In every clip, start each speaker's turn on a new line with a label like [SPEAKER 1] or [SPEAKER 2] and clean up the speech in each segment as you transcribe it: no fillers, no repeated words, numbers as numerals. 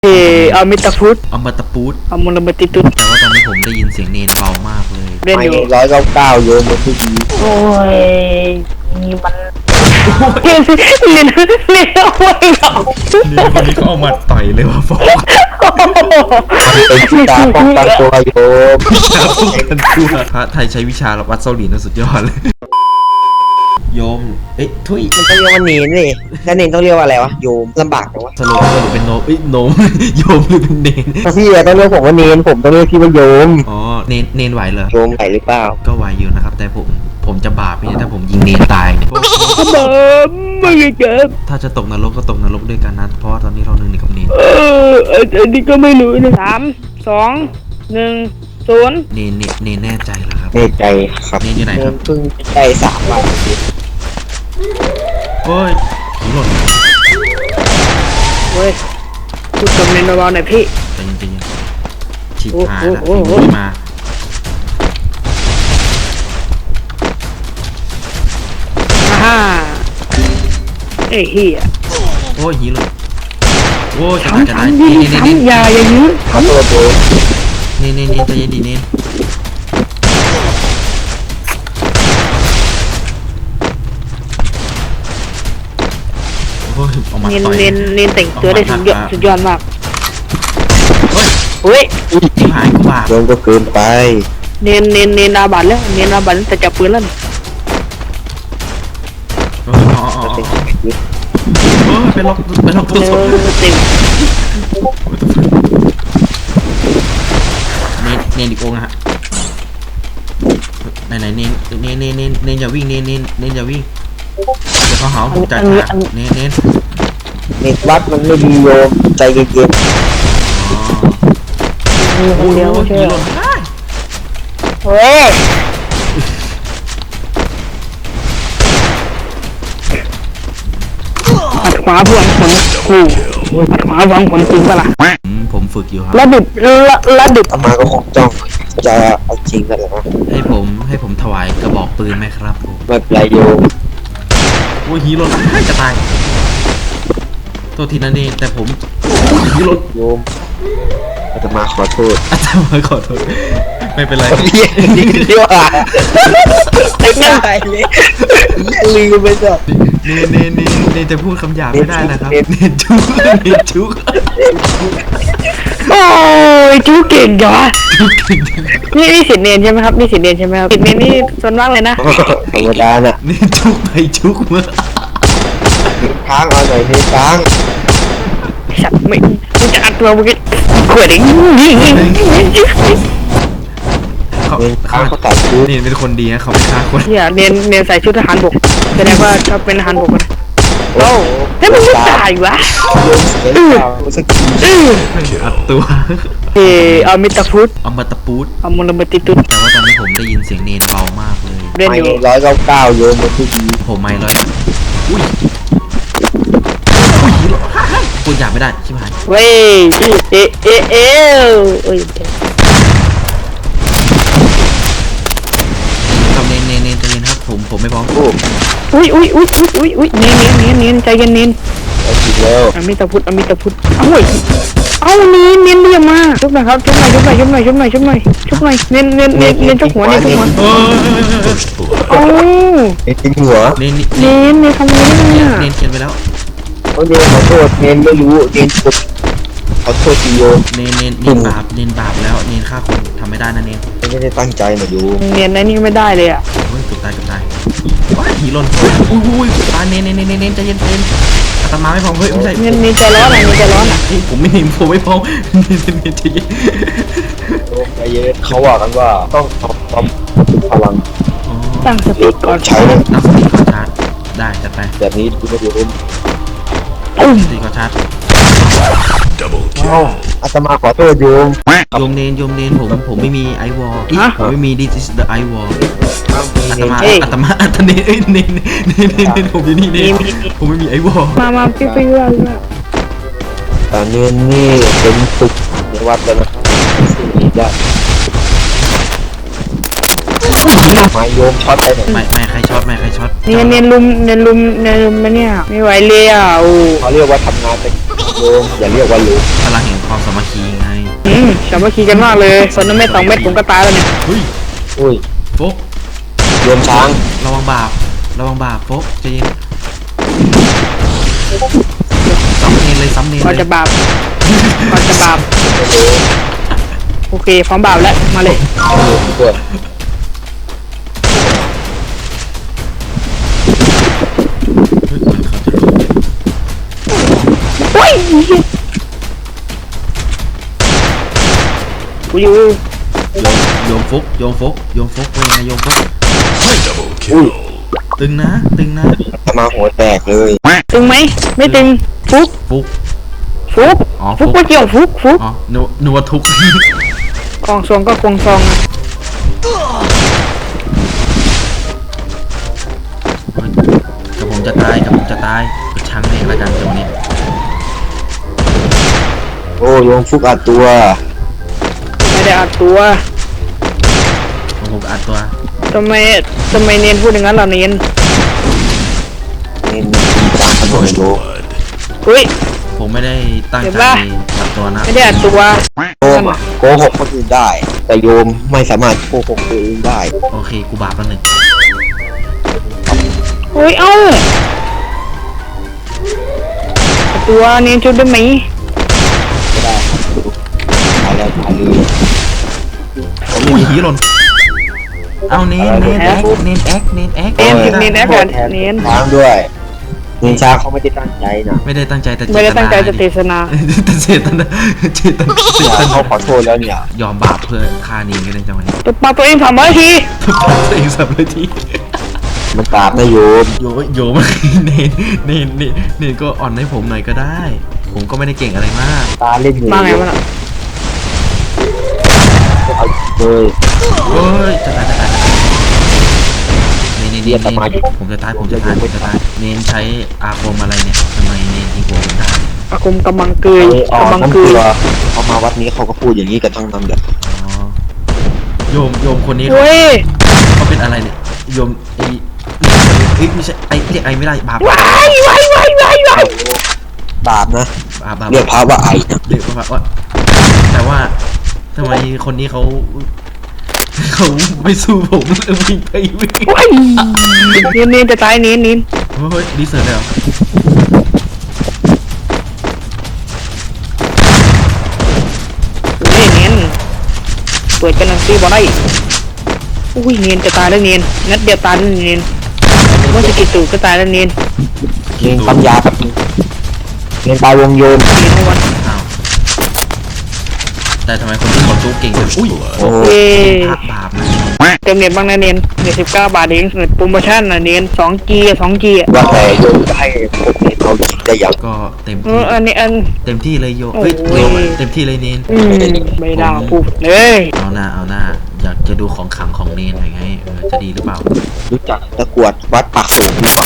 [SPEAKER 1] อมิตาพุทธ
[SPEAKER 2] อมตะปูด
[SPEAKER 1] อมรมติตุต
[SPEAKER 2] แต่ว่าตอนนี้ผมได้ยินเสียงเนนเบามากเลย
[SPEAKER 1] เรียนอยู่
[SPEAKER 3] 199โยมมันทุกที
[SPEAKER 1] โอ้ยนี่มันเรียนเอาไว้หรอ
[SPEAKER 2] เนนคนนี้ก็เอามาต่อยเลยว่ะฟอก
[SPEAKER 3] เป็นที่ตาป้องกันตัวโยม
[SPEAKER 2] ป้องกันตัวพระไทยใช้วิชาวัดเซาหลินสุดยอดเลยโยมทุย
[SPEAKER 3] มันต้องเรียกว่าเนนเลยแล้วเนนต้องเรียกว่าอะไรวะโยมลำบากจังวะ
[SPEAKER 2] สรุปเป็นโนโนมโยมหรือเป็นเนน
[SPEAKER 3] พี่ต้องเรียกผมว่าเนนผมต้องเรียกพี่ว่าโยม
[SPEAKER 2] อ๋อเนนไหวเหรอ
[SPEAKER 3] โยมไหวหรือเปล่า
[SPEAKER 2] ก็ไหวอยู่นะครับแต่ผมจะบาปไหมถ้าผมยิงเนนตายเนี่ย
[SPEAKER 1] ไม่เจ็บ
[SPEAKER 2] ถ้าจะตกนรกก็ตกนรกด้วยกันนะเพราะว่าตอนนี้เราหนึ่งกับเนน
[SPEAKER 1] อันนี้ก็ไม่รู้นะ3 2 1 0
[SPEAKER 2] เนนแน่ใจเหรอครับ
[SPEAKER 3] แน่ใจครับ
[SPEAKER 2] เนนอยู่ไหนครับ
[SPEAKER 3] เพิ่งได้3 วัน
[SPEAKER 2] โอ้ยผีหล่น
[SPEAKER 1] เว้ยพูดกับเนนเบาๆหน่อยพี่
[SPEAKER 2] ใจเย็นๆฉีกหายแล้ว
[SPEAKER 1] โอ้โห
[SPEAKER 2] ผีมา
[SPEAKER 1] ฮ่าเอ้ยเฮีย
[SPEAKER 2] โอ้ยหีหล่นโอ้ยจะ
[SPEAKER 1] ทำ
[SPEAKER 2] ตาย
[SPEAKER 1] ยิง
[SPEAKER 2] เนน
[SPEAKER 1] อย่ายื้อ
[SPEAKER 3] ขอโทษโยม
[SPEAKER 2] เนนใจเย็นดีเนนโอ้ยออกมา
[SPEAKER 1] เนน
[SPEAKER 2] ต่อย
[SPEAKER 1] เนนแต่งตัวได้สุดยอดมาก
[SPEAKER 2] เฮ้ย
[SPEAKER 1] เฮ้ย
[SPEAKER 2] ชิบหายกูบาป
[SPEAKER 3] โยมก็เกินไป
[SPEAKER 1] เนนอาบัตแล้วเนนอาบัตแต่จับปืนแล้ว
[SPEAKER 2] โอ้ยเป็นล็อกตัว
[SPEAKER 1] เน
[SPEAKER 2] ศพ
[SPEAKER 1] เต็ม
[SPEAKER 2] เนนอีกองค์นะฮะไหนเนนอย่าวิ่งเนนอย่าวิ่งเดี๋ยวเขาหาผมจัดฉากเนน
[SPEAKER 3] เน็ตวัดมันไม่ดีโยมใจเย็น
[SPEAKER 1] มีคนเดียว
[SPEAKER 2] โอ้ย
[SPEAKER 1] ใช่
[SPEAKER 2] ผี
[SPEAKER 1] ไห
[SPEAKER 2] ห
[SPEAKER 1] ม
[SPEAKER 2] ล่นได้
[SPEAKER 1] เฮ้ยปัดขวาพวงผลคู่ปัดขวาพวงผลจริงปะล่ะ
[SPEAKER 2] ผมฝึกอยู่ครับ
[SPEAKER 1] ระดิบ
[SPEAKER 3] ๆอามาก็คงจ้องจะเอาจริงกันเหรอ
[SPEAKER 2] ให้ผมถวายกระบอกปืนไหมครับผม
[SPEAKER 3] ไม่เป็นไรโยม
[SPEAKER 2] โอ้ยหีหล่นจะตายตัวทีนั้นเองแต่ผมหีหล่น
[SPEAKER 3] โยมอาตมาขอโทษ
[SPEAKER 2] อาจารย์ขอโทษไม่เป็นไร
[SPEAKER 3] เรียกดีกว่าไอ้ง่ายเลยลืมไปจ้ะ
[SPEAKER 2] เนจะพูดคำหยาบไม่ได้นะครับเนจุก
[SPEAKER 1] โอ้ยจูเก่งจ้ะนี่สิทธิ์เนนใช่ไหมครับนี่สิทธิ์เนนใช่ไหมครับสิทธิ์เนนนี่ส่วนมากเลยนะ
[SPEAKER 3] ธรรมดาน่ะ
[SPEAKER 2] เนจุกไปจุกเมื่อ
[SPEAKER 3] ค้างเอาหน่อยนี่ค้าง
[SPEAKER 1] สัตว์ไม่มึงจะอัดตัวมึงก็ขวดเอง
[SPEAKER 2] เขา
[SPEAKER 3] เนค้างเขาตัดชุด
[SPEAKER 2] เนเป็นคนดีนะเขาไม่ฆ่าคน
[SPEAKER 1] เนี่ยเนนใส่ชุดทหารบกแสดงว่าชอบเป็นทหารบกนะโอ้แล้วมึงไม่ตายวะ
[SPEAKER 3] โยมเสียเปล่าสักที
[SPEAKER 2] อัดตัว
[SPEAKER 1] อมิตาพุทธ
[SPEAKER 2] อมตะปูด
[SPEAKER 1] อมรมติตุต
[SPEAKER 2] แต่ว่าตอนนี้ผมได้ยินเสียงเนนเบามากเลย
[SPEAKER 1] เรียนอยู่
[SPEAKER 3] 199โยมมันทุกที
[SPEAKER 2] ผมไม่เลยอุ้ยพูดหยาบไม่ได้ชิบหาย
[SPEAKER 1] เว้ยเอะเอะเอะโอ้ย
[SPEAKER 2] ครับเนใจเย็นครับผมไม่พร้อม
[SPEAKER 3] โอ้
[SPEAKER 1] อุ้ยเนนใจเย็นเนน
[SPEAKER 3] เอาจริงแล้ว
[SPEAKER 1] อมิตาพุทธเอาเว้ยเอาเนนเรียมาชุบหน่อยครับชุบหน่อยเนนชุบหัวเเอา
[SPEAKER 3] ไอ้ทิ้งหัว
[SPEAKER 2] เน
[SPEAKER 1] เนนทำอะไรเนี่ย
[SPEAKER 2] เขียนไปแล้ว
[SPEAKER 3] เขาเนขอโทษเนนไม่รู้เนนกดขอโทษทีโยม
[SPEAKER 2] เนบาปแล้วเนฆ่าคนทำไม่ได้นะเน
[SPEAKER 3] ไม่ได้ตั้งใจนะโยม
[SPEAKER 1] เนนนั่นนี่ไม่ได้เลยอ่ะ
[SPEAKER 2] เฮ้ยเกือบตายว้ายผีหล่นอุ้ยตายเนใจเย็นอาตมาไม่พร้อมเฮ้ยไม่ใช่
[SPEAKER 1] เนนใจร้อนอ่ะ
[SPEAKER 2] ผมไม่พร้อมเนใจเย็น
[SPEAKER 3] โยมใจเย็นเขาว่ากันว่าต้องทำพลัง
[SPEAKER 1] ตั้งสติก่อน
[SPEAKER 3] ใช้
[SPEAKER 2] ตั้งสติก่อนชาร์จได้จัดไป
[SPEAKER 3] แบบนี้คุณโยม
[SPEAKER 2] ตั้งสติก่อนชาร์จ
[SPEAKER 3] เอ้าอาตมาขอโทษโยม
[SPEAKER 2] โยมเนนผมไม่มีไอวอลผมไม่มี this is the i wall อาตมาเนผมอยู่นี่เนผมไม่มีไอวอล
[SPEAKER 1] มาปิ๊งว่า
[SPEAKER 3] แต่เนนนี่เป็นฝึกในวัดแล้วนะครับสิ่งนี้ได้มาโยมช็อตไปหน่อย
[SPEAKER 2] ไม่ใครช็อต
[SPEAKER 1] เนนลุมมาเนี่ยไม่ไหวเลยอ่ะโอ้
[SPEAKER 3] เขาเรียกว่าทำงานเป็นโยมอย่าเรียกว่าลุง
[SPEAKER 2] พลังแห่งความสามัคคีไง
[SPEAKER 1] สามัคคีกันมากเลยคนนั้นไม่2 เม็ดผมก็ตายแล้วเนี่ย
[SPEAKER 2] เฮ้ย
[SPEAKER 3] อุ้ย
[SPEAKER 2] โฟก
[SPEAKER 3] โยมช้าง
[SPEAKER 2] ระวังบาปโฟกใจเย็นซ้ำเนนเลย
[SPEAKER 1] ก่อนจะบาปก่อนจะบาปโอเคพร้อมบาปแล้วมาเลย
[SPEAKER 3] ตัว
[SPEAKER 1] โอ้ยกูอยู่
[SPEAKER 2] โยมฟุกเป็นไงโยมฟุก
[SPEAKER 3] อุ้ย
[SPEAKER 2] ตึงนะ
[SPEAKER 3] ทำมาหัวแตกเลย
[SPEAKER 1] ตึงไหมไม่ตึงฟุก
[SPEAKER 2] ฟุก
[SPEAKER 1] ฟุก
[SPEAKER 2] อ๋อ
[SPEAKER 1] ฟุกไม่เกี่ยวฟุก
[SPEAKER 2] อ๋อนึกว่าทุก
[SPEAKER 1] กองซองก็กองซองอะ
[SPEAKER 2] กับผมจะตายกระชังเองละกันตรงนี้
[SPEAKER 3] โอ้โยมฟุกอัดตัว
[SPEAKER 1] ไม่ได้อัดตัว
[SPEAKER 2] ผมอัดตัว
[SPEAKER 1] ทำไมเนียนพูดอย่างนั้นล่ะเนียน
[SPEAKER 3] เน้นตีตามถนนโยม
[SPEAKER 1] อุ้ย
[SPEAKER 2] ผมไม่ได้ตั้ง
[SPEAKER 1] เห็น
[SPEAKER 2] ใจ
[SPEAKER 1] ปะ
[SPEAKER 2] อัดตัวนะ
[SPEAKER 1] ไม่ได้อัดตัว
[SPEAKER 3] โยมอะโกหกคนอื่นได้ แต่โยมไม่สามารถโกหกตัวเองได้
[SPEAKER 2] โอเคกูบาปแล้วหนึ่ง
[SPEAKER 1] อุ้ยเอ้าอัดตัวเนียนชุดได้ไหม
[SPEAKER 3] ไม่ได้ตายแล้วตายเลย
[SPEAKER 2] อุ้ยหีหล่นเอาเนนแอค
[SPEAKER 1] เนียนแอคกันเนียน
[SPEAKER 3] ช้างด้วยเน้นช้างเขาไม่ได้ตั้งใจนะ
[SPEAKER 2] ไม่ได้ตั้งใจแต่
[SPEAKER 1] ไม่ได้ตั้งใจจะเทศนา
[SPEAKER 2] แต่เจตนา
[SPEAKER 3] เขาขอโทษแล้วเนี่ย
[SPEAKER 2] ยอมบาปเพื่อฆ่าเนนกันในจังหวะนี้
[SPEAKER 1] ตัวปลาตัวเอง300 ที
[SPEAKER 2] ทุกคนตัวเองสับเลยที
[SPEAKER 3] มันกราบนะโยม
[SPEAKER 2] โยมเนนก็อ่อนให้ผมหน่อยก็ได้ ผมก็ไม่ได้เก่งอะไรมาก
[SPEAKER 3] ตาเล่นอยู่
[SPEAKER 1] มาไงวะน่ะ
[SPEAKER 3] เอาเลย
[SPEAKER 2] เฮ้ยจะตายเนนผมจะตายเนนใช้อาคมอะไรเนี่ยทำไมเนนยิงผมได้
[SPEAKER 1] อาคมกำมังเกย
[SPEAKER 3] อ๋อก
[SPEAKER 1] ำมัง
[SPEAKER 3] น้ำ
[SPEAKER 1] เก
[SPEAKER 3] เกลื
[SPEAKER 1] ย
[SPEAKER 3] อเขามาวัดนี้เขาก็พูดอย่างนี้กันทั้งนั้นเลย
[SPEAKER 2] อ๋อโยมคนนี้
[SPEAKER 1] เว้ย
[SPEAKER 2] เขาเป็นอะไรเนี่ยโยมไอ้ไม่ใช่ไอ้เรียกไอ้ไม่ได้บาป
[SPEAKER 1] ว้าย
[SPEAKER 3] บาปนะ
[SPEAKER 2] บาป
[SPEAKER 3] เรียกพระว่าไอ้นะ
[SPEAKER 2] เรียกว่าแต่ว่าทำไมคนนี้เขาไม่สู้ผมเลยวิ่งไปวิ่ง
[SPEAKER 1] ว้ายเนียนจะตายเนียน
[SPEAKER 2] เฮ้ยดีเซอร์เลยเหรอ
[SPEAKER 1] เนียนเปิดกันหนังซีบอได้อุ้ยเนียนจะตายแล้วเนียนงัดเดียวตายแล้วเนียนเมื่อสกิลตู่ก็ตายแล้วเนียน
[SPEAKER 3] เรียนปัญญากับเรียนตายวงโยน
[SPEAKER 1] เนียนทั้งวัน
[SPEAKER 2] อ้าวแต่ทำไมคนที่เขาสู้เก่งจังอุ้ย
[SPEAKER 3] โอ้
[SPEAKER 1] เย้
[SPEAKER 2] พระบาปนะ
[SPEAKER 1] เติมเน็ตบ้างนะเนียนเน็ต19 บาทเองเน็ตโปรโมชั่นนะเนียน2G 2G อ่ะ
[SPEAKER 3] ว่าแต่โยมจะให้พวกเรียนเอาจริงได้อย่าง
[SPEAKER 2] ก็เต็ม
[SPEAKER 1] อันนี้อัน
[SPEAKER 2] เต็มที่เลยโยเฮ้ย
[SPEAKER 1] โอ้ย
[SPEAKER 2] เต็มที่เลยเนน
[SPEAKER 1] ไม่ได้พูดเลย
[SPEAKER 2] เอาหน้าอยากจะดูของขลังของเนนหน่อยไงจะดีหรือเปล่า
[SPEAKER 3] รู้จักตะกรวดวัดปากสูงหรือเปล่า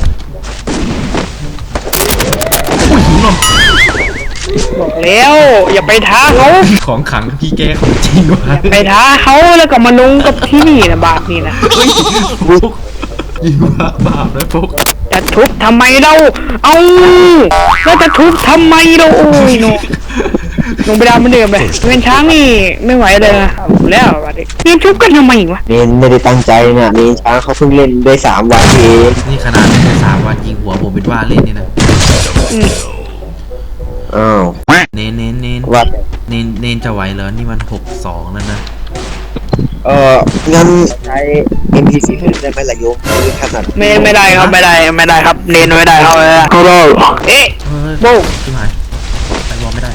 [SPEAKER 2] อุ้ยหิวหนม
[SPEAKER 1] บอกแล้วอย่าไปท้าเขา
[SPEAKER 2] ของขลังพี่แกของจริงว่ะ
[SPEAKER 1] ไปท้าเขาแล้วก็มาลงกับที่นี่นะบาปนี่นะ
[SPEAKER 2] ฟุกยิงว่าบาปนะฟุก
[SPEAKER 1] จะทุบทำไมเราเอาแล้วจะทุบทำไมเราโอ้ยโนลงไปดาวเหมือนเดิมเลยเป็นช้างนี่ไม่ไหวเลยนะเอาแล้วบาดนี้นี่ทุบกันทำไมวะ
[SPEAKER 3] เรียนไม่ได้ตั้งใจนะเรียนช้างเขาเพิ่งเล่นได้3 วันเอง
[SPEAKER 2] นี่ขนาดใน3 วันยิงหัวผมเป็นว่าเล่นนี่นะ
[SPEAKER 1] อืม
[SPEAKER 3] อ้าว
[SPEAKER 2] เนน
[SPEAKER 3] วัด
[SPEAKER 2] เนนจะไหวเหรอนี่มัน6-2แล้วนะ
[SPEAKER 3] งั้นใช้ NPC เพิ่มได้ไหมล่ะโยมคือขนาด
[SPEAKER 1] ไม่ได้ครับไม่ได้ครับเนนไม่ได้ครับเขาเราเอ๊ะ
[SPEAKER 2] เฮ้ย
[SPEAKER 1] โบ้
[SPEAKER 2] ชิบหายไปวอลไม่ได้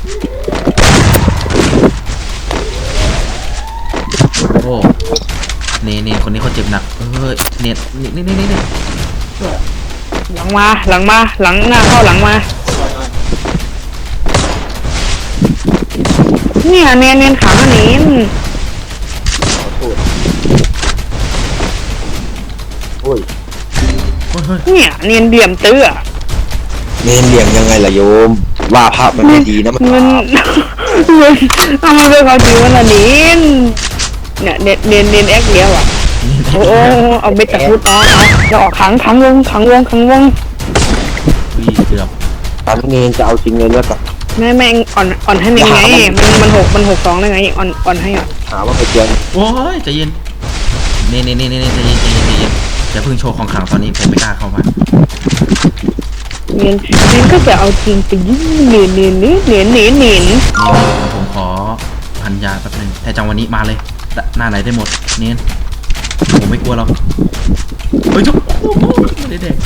[SPEAKER 2] โอ้เนนคนนี้เขาเจ็บหนักเฮ้ยเนนนี่
[SPEAKER 1] หลังมาหลังหน้าเข้าหลังมาเนี่ยเนียนขังอันนี้
[SPEAKER 3] โอ้ย
[SPEAKER 2] เฮ้ย
[SPEAKER 1] เนี่ยเนียนเดี่ยมตื้อ
[SPEAKER 3] เรียนเหลี่ยมยังไงล่ะโยม ว่าพระมันไม่ดีนะมัน
[SPEAKER 1] เงินเอามาเป็นความจริงวันนี้เนี่ยเนียนแอคเดียวอ่ะโอ้เอาเบ็ดตะพุดอ๋อจะออกขังวง
[SPEAKER 2] วิ่งเกือบ
[SPEAKER 3] ตอนนี้เนนจะเอาจริงเลยแล้วกับ
[SPEAKER 1] ไม่อ่อนให้เนนไงมัน6-2ได้ไงอ่อนให้อ่อน
[SPEAKER 3] หาว่าไปเจอ
[SPEAKER 2] โอ้ยใจเย็นเนใจเย็นอย่าเพิ่งโชว์ของขลังตอนนี้ผมไม่กล้าเข้ามา
[SPEAKER 1] เนนก็จะเอาจริงไปยิ่งเนน
[SPEAKER 2] ผมขอพันยาแป๊บนึงแต่จังวันนี้มาเลยหน้าไหนได้หมดเน้นผมไม่กลัวหรอกเฮ้ยจุ๊บไม่ได้เด็ก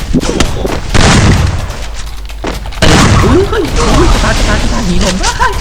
[SPEAKER 2] เฮ้ยจะตายหนีลมได้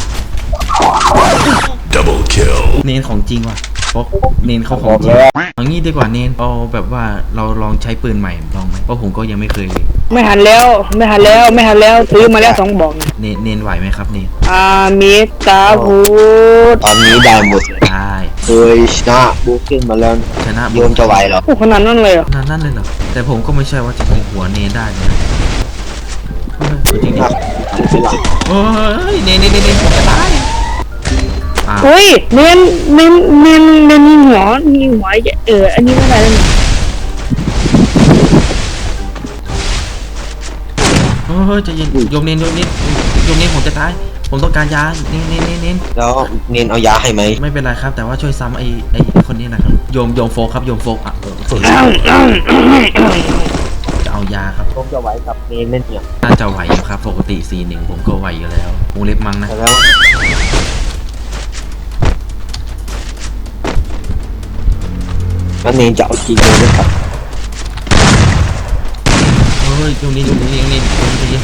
[SPEAKER 4] Double kill.
[SPEAKER 2] เนนของจริงว่ะเพราะเนนเขาข
[SPEAKER 3] บ
[SPEAKER 2] อง
[SPEAKER 3] อก
[SPEAKER 2] จริง
[SPEAKER 3] แล้ว
[SPEAKER 2] เอางี้ดีกว่าเนนเอาแบบว่าเราลองใช้ปืนใหม่ลองไหมเพราะผมก็ยังไม่เคยเลย
[SPEAKER 1] ไม่หันแล้วซื้อมาแล้ว2บอก
[SPEAKER 2] เนนไหวไหมครับเนน
[SPEAKER 1] มิตาพูด
[SPEAKER 3] ตอนนี้ได้หมด
[SPEAKER 2] ได้
[SPEAKER 3] เคยชนะบูขึ้นมาแล้ว
[SPEAKER 2] ชนะ
[SPEAKER 3] โยมจะไหวเหรอ
[SPEAKER 1] โอ้ขนาดนั้นเลยเหรอ
[SPEAKER 2] นั่นเลยเหรอแต่ผมก็ไม่ใช่ว่าจะเป็นหัวเนนได้เลยนะจริงดิ โอ้ยเนนผมจะตายอ่า
[SPEAKER 1] เฮ้ยเนนมีหัวอันนี้ไม่ได้เลย
[SPEAKER 2] เฮ้ยใจเย็นโยมเนนผมจะตายผมต้องการยาเนน
[SPEAKER 3] แล้วเนนเอายาให้ไหม
[SPEAKER 2] ไม่เป็นไรครับแต่ว่าช่วยซ้ำไอ้คนนี้นะครับโยมโฟกครับโยมโฟกอ่ะจะเอายาครับ
[SPEAKER 3] ผมจะไหวกับเนนเล่นเนี่ย
[SPEAKER 2] น่าจะไหวอยู่ครับปกติ4-1ผมก็ไหวอยู่แล้ววงเล็บมั้งนะ
[SPEAKER 3] แล้วเนนจะเอาจริงเลยนะครับ
[SPEAKER 2] เฮ้ยโยมเนนใจเย็น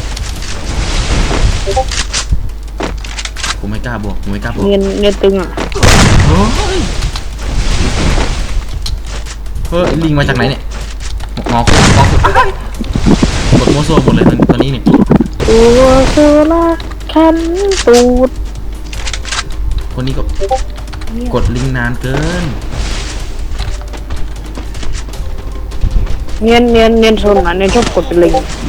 [SPEAKER 2] ผมไม่กล้าบวก
[SPEAKER 1] เนนตึงอ่ะ
[SPEAKER 2] เฮ้ยลิงมาจากไหนเนี่ยงอคุอ้ายกดโมโซหมดเลยตอนนี้เนี่ย
[SPEAKER 1] ตัวโซล่าคันตูด
[SPEAKER 2] คนนี้ก็กดลิงนานเกิน
[SPEAKER 1] เนียนโซนเนียนชอบกดเป็นลิง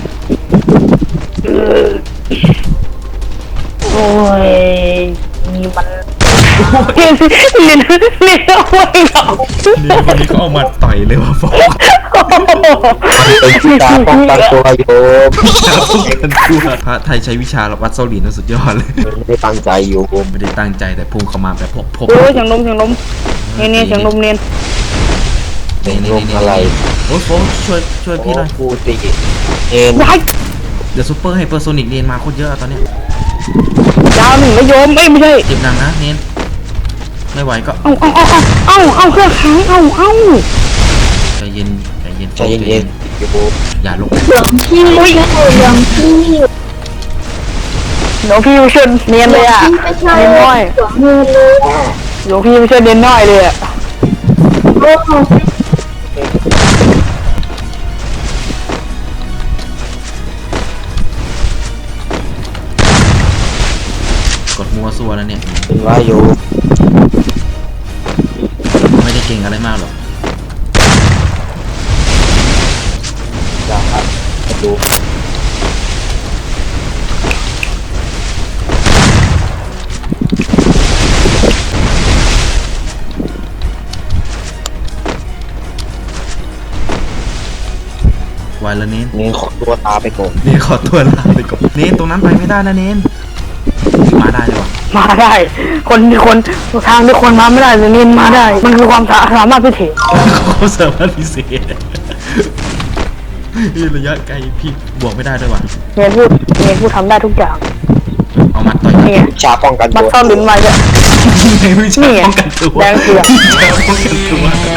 [SPEAKER 1] โอ้ยนี่มันเนียนเอาไว้หรอ
[SPEAKER 2] นี่คนนี้ก็เอามาต่อยเลยว่ะฟอก
[SPEAKER 3] เป็นวิชาป้องกันตัวโยม
[SPEAKER 2] พระไทยใช้วิชาวัดเซาหลินสุดยอดเลย
[SPEAKER 3] ไม่ได้ตั้งใจโยม
[SPEAKER 2] ไม่ได้ตั้งใจแต่พุ่งเข้ามาแบบพก
[SPEAKER 1] โอ้ยเสียงลมเนียนเสียงลมเนียน
[SPEAKER 3] เป็นลมอะไร
[SPEAKER 2] โอ้ยโฟช่วยพี่หน่อย
[SPEAKER 3] กูตีเนน
[SPEAKER 1] ว้าย
[SPEAKER 2] เดี๋ยวซูเปอร์ไฮเปอร์โซนิกเนนมาโคตรเยอะตอนเนี้ย
[SPEAKER 1] ดาวหนึ่งไม่ยอมไม่ใช่
[SPEAKER 2] เจ็บหนักนะเนนไม่ไหวก็
[SPEAKER 1] เอาเครื่องค้างเอา
[SPEAKER 2] ใจเย็น
[SPEAKER 3] ใจเย็นๆโยม
[SPEAKER 2] อย่าลง
[SPEAKER 1] พี่อุ้ยหลวงพี่ไม่ช่วยเนียนเลยอ่ะเนียนน้อยหลวงพี่ไม่ช่วยเนียนน้อยเลยอ่ะ
[SPEAKER 2] กดมัวซัวแล้วเนี่ย
[SPEAKER 3] เป็นว่าโยม
[SPEAKER 2] ไม่ได้เก่งอะไรมากหรอก
[SPEAKER 3] อยากครับดู
[SPEAKER 2] ไหวแล้วเนน
[SPEAKER 3] เนนขอตัวตาไปก่อน
[SPEAKER 2] เนนขอตัวลาไปก่อนเนนตรงนั้นไปไม่ได้นะเนนมาได้เลยวะ
[SPEAKER 1] มาได้คนทางที่คนมาไม่ได้แต่เนียนมาได้ มันคือความสามารถพิเศษ
[SPEAKER 2] เขาสามารถพิเศษระยะไกลพี่บวกไม่ได้ด้วยวะ
[SPEAKER 1] เนียนพูดทำได้ทุกอย่าง
[SPEAKER 2] เอามัดต่อย
[SPEAKER 1] นี่ไง
[SPEAKER 3] วิชาป้องกัน
[SPEAKER 1] มั
[SPEAKER 3] ตั
[SPEAKER 1] ด
[SPEAKER 3] ว
[SPEAKER 1] ซ่อนลิ้นไว้ด้วย
[SPEAKER 2] ไม่ใช่ป้องกันตัว
[SPEAKER 1] แดงเผือก
[SPEAKER 2] ไม่ใช่ป้องกันตัว